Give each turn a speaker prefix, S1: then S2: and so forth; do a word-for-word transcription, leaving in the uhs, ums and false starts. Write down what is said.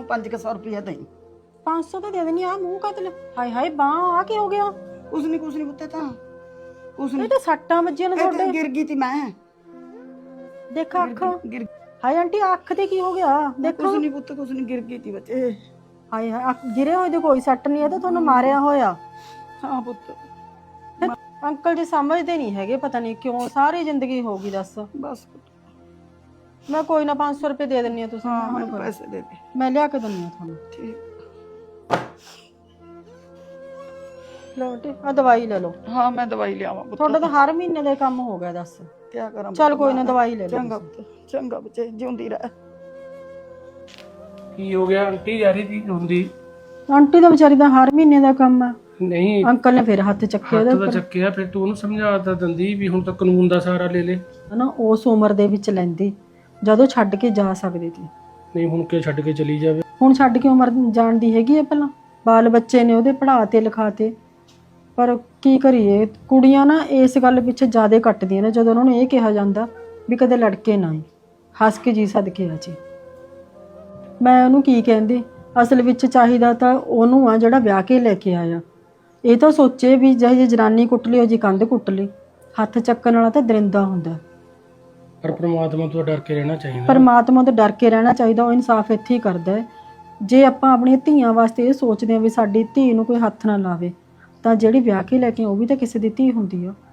S1: पांच सौ रुपया दई।
S2: पाँच सौ तो दे देनी आ मुंह का तले हाय हाय बांह आ क्या हो गया?
S1: कुछ नहीं कुछ नहीं पुत्ते था कुछ
S2: ये
S1: नहीं
S2: तो सट्टा बज्जियां ने
S1: ਇਹ
S2: ਤੁਹਾਡੇ
S1: ਤੇ ਗਿਰ ਗਈ ਤੀ ਮੈਂ
S2: देखा अख
S1: गिर
S2: हाय आंटी अख ते की हो गया देखो
S1: कुछ नहीं पुੱਤ कुछ नहीं गिर गई थी बच्चे।
S2: हाय हाय अख गिरे होए ते कोई सट्ट नहीं है तो ਤੁਹਾਨੂੰ ਮਾਰਿਆ ਹੋਇਆ।
S1: हाँ पुत्त
S2: ਅੰਕਲ ਜੀ ਸਮਝਦੇ ਨਹੀਂ ਹੈਗੇ ਪਤਾ ਨਹੀਂ ਕਿਉਂ ਸਾਰੀ ਜ਼ਿੰਦਗੀ ਹੋ ਗਈ ਦੱਸ।
S1: बस पुत्त
S2: ਮੈਂ ਕੋਈ ਨਾ ਪੰਜ ਸੌ ਰੁਪਏ ਦੇ ਦਿੰਨੀ ਆ ਤੁਸੀਂ
S1: हाँ
S2: ਮੈਨੂੰ
S1: मैं
S2: ਕਰੋ।
S1: पैसे दे दे
S2: ਮੈਂ ਲਿਆ ਕੇ ਦਿੰਨੀ ਆ ਤੁਹਾਨੂੰ।
S1: ठीक
S2: ਲਓ ਆਂਟੀ ਆ ਦਵਾਈ ਲੈ ਲਓ।
S1: हाँ मैं दवाई ले आवा पुत्त
S2: ਤੁਹਾਡਾ ਤਾਂ ਹਰ ਮਹੀਨੇ ਦਾ ਕੰਮ ਹੋ ਗਿਆ ਦੱਸ।
S1: क्या करा
S2: ਚੱਲ ਕੋਈ ਨਾ ਦਵਾਈ ਲੈ ਲਓ।
S1: चंगा पुत्त चंगा बच्चे जिंदी रह।
S3: ਕੀ ਹੋ ਗਿਆ ਆਂਟੀ ਜਾ ਰਹੀ ਸੀ ਹੁੰਦੀ
S2: ਆਂਟੀ ਦਾ ਵਿਚਾਰੀ ਦਾ ਹਰ ਮਹੀਨੇ ਦਾ ਕੰਮ ਆ।
S3: ਨਹੀਂ
S2: ਅੰਕਲ ਨੇ ਫਿਰ ਹੱਥ ਚੱਕੇ ਉਹਦੇ
S3: ਹੱਥ ਦਾ ਚੱਕਿਆ ਫਿਰ ਤੂੰ ਉਹਨੂੰ ਸਮਝਾ ਤਾਂ ਦਿੰਦੀ ਵੀ ਹੁਣ ਤਾਂ ਕਾਨੂੰਨ ਦਾ ਸਹਾਰਾ ਲੈ ਲੈ।
S2: ਹਨਾ ਉਸ ਉਮਰ ਦੇ ਵਿੱਚ ਲੈਂਦੀ ਜਦੋਂ ਛੱਡ ਕੇ ਜਾ ਸਕਦੀ ਸੀ।
S3: ਨਹੀਂ ਹੁਣ ਕਿ ਛੱਡ ਕੇ ਚਲੀ ਜਾਵੇ।
S2: ਹੁਣ ਛੱਡ ਕੇ ਉਮਰ ਜਾਣਦੀ ਹੈਗੀ ਹੈ ਪਹਿਲਾਂ ਬਾਲ ਬੱਚੇ ਨੇ ਉਹਦੇ ਪੜ੍ਹਾਤੇ ਲਿਖਾਤੇ ਪਰ ਕੀ ਕਰੀਏ ਕੁੜੀਆਂ ਨਾ ਇਸ ਗੱਲ ਪਿੱਛੇ ਜ਼ਿਆਦਾ ਕੱਟਦੀਆਂ ਨੇ ਜਦੋਂ ਉਹਨਾਂ ਨੂੰ ਇਹ ਕਿਹਾ ਜਾਂਦਾ ਵੀ ਕਦੇ ਲੜਕੇ ਨਾ ਹੀ ਹੱਸ ਕੇ ਜੀ ਸਦਕੇ ਆ ਜੀ। ਮੈਂ ਉਹਨੂੰ ਕੀ ਕਹਿੰਦੀ ਅਸਲ ਵਿੱਚ ਚਾਹੀਦਾ ਤਾਂ ਉਹਨੂੰ ਆ ਜਿਹੜਾ ਵਿਆਹ ਕੇ ਲੈ ਕੇ ਆਇਆ ਇਹ ਤਾਂ ਸੋਚੇ ਵੀ ਜਿਹੇ ਜਨਾਨੀ ਕੁੱਟ ਲਈ ਉਹ ਜੀ ਕੰਧ ਕੁੱਟ ਲਈ ਹੱਥ ਚੱਕਣ ਵਾਲਾ ਤਾਂ ਦਰਿੰਦਾ ਹੁੰਦਾ।
S3: ਪਰ ਪ੍ਰਮਾਤਮਾ ਤੋਂ ਡਰ ਕੇ ਰਹਿਣਾ ਚਾਹੀਦਾ।
S2: ਪਰਮਾਤਮਾ ਤੋਂ ਡਰ ਕੇ ਰਹਿਣਾ ਚਾਹੀਦਾ ਉਹ ਇਨਸਾਫ ਇੱਥੇ ਹੀ ਕਰਦਾ ਹੈ। ਜੇ ਆਪਾਂ ਆਪਣੀਆਂ ਧੀਆਂ ਵਾਸਤੇ ਇਹ ਸੋਚਦੇ ਹਾਂ ਵੀ ਸਾਡੀ ਧੀ ਨੂੰ ਕੋਈ ਹੱਥ ਨਾ ਲਾਵੇ ਤਾਂ ਜਿਹੜੀ ਵਿਆਹ ਕੇ ਲੈ ਕੇ ਉਹ ਵੀ ਤਾਂ ਕਿਸੇ ਦੀ ਧੀ ਹੁੰਦੀ ਆ।